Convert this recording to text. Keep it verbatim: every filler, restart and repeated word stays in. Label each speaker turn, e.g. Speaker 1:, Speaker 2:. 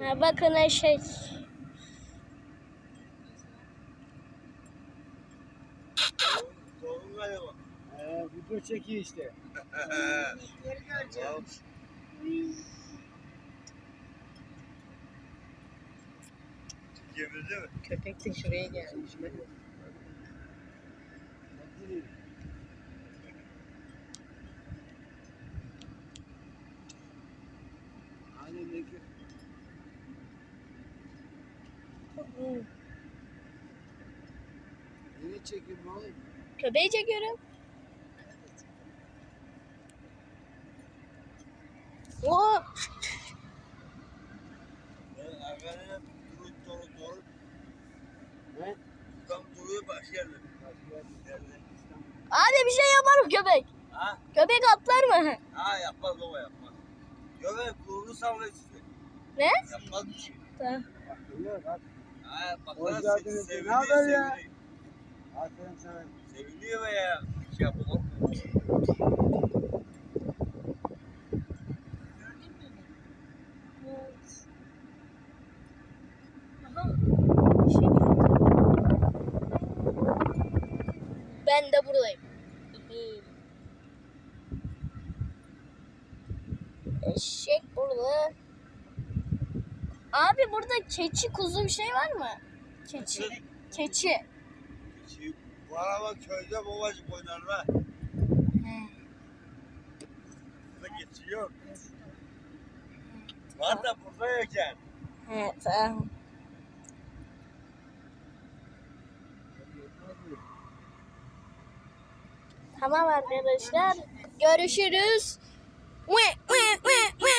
Speaker 1: Ha, bakın eşek.
Speaker 2: Doğru galiba.
Speaker 3: Ee, video çekiyor işte.
Speaker 2: Tamam. Çekebildi mi?
Speaker 4: Köpek de şuraya gelmiş.
Speaker 3: Aynen ne ki? Yine çekim ne oğlum?
Speaker 1: Köpeği çekiyorum. Oo.
Speaker 2: Ben arkadaşlar durup doğru doğru.
Speaker 3: Ne?
Speaker 2: Tam duruyor başka yerde.
Speaker 1: Abi bir şey yapar mı köpek?
Speaker 2: Ha?
Speaker 1: Köpek atlar mı?
Speaker 2: Ha yapmaz baba yapmaz. Göbek kurulu sallıyor sizi.
Speaker 1: Ne?
Speaker 2: Yapmaz bir şey.
Speaker 1: Tamam.
Speaker 3: Bak görüyor bak.
Speaker 2: Ha bak
Speaker 3: Hoş
Speaker 2: lan
Speaker 3: geldiniz.
Speaker 2: se-
Speaker 3: Ne haber
Speaker 2: seviniyor
Speaker 3: ya?
Speaker 2: seviniyor.
Speaker 3: Aferin sana.
Speaker 2: Seviniyor be ya. Bir şey yapamam.
Speaker 1: Ben de buradayım. Eşek burada. Abi burada keçi, kuzu bir şey var mı? Keçi. Keçi.
Speaker 2: Keçi. Bu araba köyde babacık oynarlar.
Speaker 1: He.
Speaker 2: Burada keçi yok. Var da burada yok yani.
Speaker 1: He, tamam. Tamam arkadaşlar. Görüşürüz. Ve, ve, ve, ve.